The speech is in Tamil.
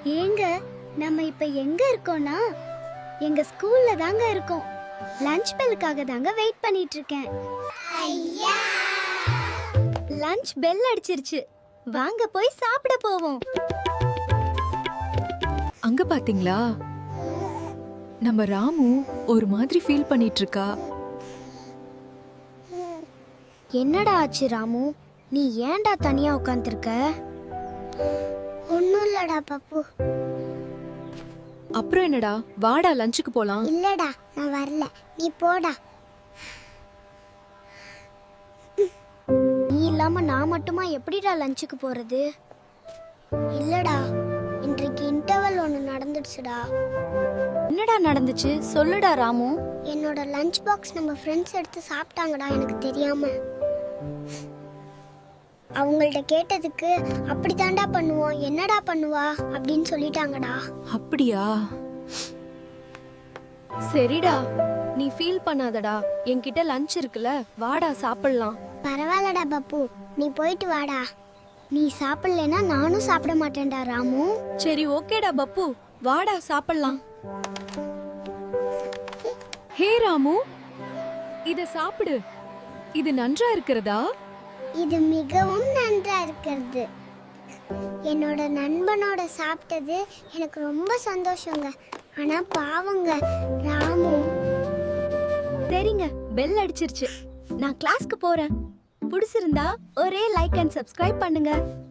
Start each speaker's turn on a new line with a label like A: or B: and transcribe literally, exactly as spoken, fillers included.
A: ஏங்க நம்ம இப்ப எங்க இருக்கோம்னா எங்க ஸ்கூல்ல தாங்க இருக்கோம். லஞ்ச் பெல்லுக்காக தாங்க வெயிட் பண்ணிட்டு இருக்கேன். லஞ்ச் பெல் அடிச்சிருச்சு. வாங்க போய் சாப்பிட போவோம்.
B: அங்க பாத்தீங்களா, நம்ம ராமு ஒரு மாதிரி ஃபீல் பண்ணிட்டு இருக்கா.
A: என்னடா ஆச்சு ராமு? நீ ஏன்டா தனியா உட்கார்ந்திருக்க? ஒண்ணும் இல்லடா பப்பு.
B: அப்புறம் என்னடா, வாடா லஞ்சுக்கு போலாம்.
A: இல்லடா நான் வரல, நீ போடா. நீ இல்லாம நான் மட்டுமா எப்படிடா லஞ்சுக்கு போறது? இல்லடா, இன்றைக்கு இன்டர்வல் ஒன்று நடந்துடுச்சுடா. என்னடா நடந்துச்சு சொல்லுடா ராமு. என்னோட லஞ்ச் பாக்ஸ் நம்ம ஃப்ரெண்ட்ஸ் எடுத்து சாப்பிட்டாங்கடா எனக்கு தெரியாம. அவங்கள்ட்ட கேட்டதுக்கு அப்படி தாண்டா பண்ணுவோம், என்னடா பண்ணுவா அப்படின்னு சொல்லிட்டாங்கடா.
B: அப்படியா? சரிடா, நீ ஃபீல் பண்ணாதடா. என்கிட்ட லஞ்ச் இருக்குல்ல, வாடா சாப்பிடலாம்.
A: பரவாயில்லடா பப்பு, நீ போயிட்டு வாடா. நீ சாப்பிடலனா நானும் சாப்பிட மாட்டேன்டா ராமு.
B: சரி ஓகேடா பப்பு, வாடா சாப்பிடலாம். ஹே ராமு, இத சாப்பிடு. இது நன்றா இருக்கிறதா?
A: இது மிகவும் நன்றா இருக்கிறது. என்னோட நண்பனோட சாப்பிட்டது எனக்கு ரொம்ப சந்தோஷங்க. ஆனா பாவங்க ராமு. சரிங்க, பெல் அடிச்சிருச்சு. நான் கிளாஸ்க்கு போறேன். பிடிச்சிருந்தா ஒரே லைக் அண்ட் சப்ஸ்கிரைப் பண்ணுங்க.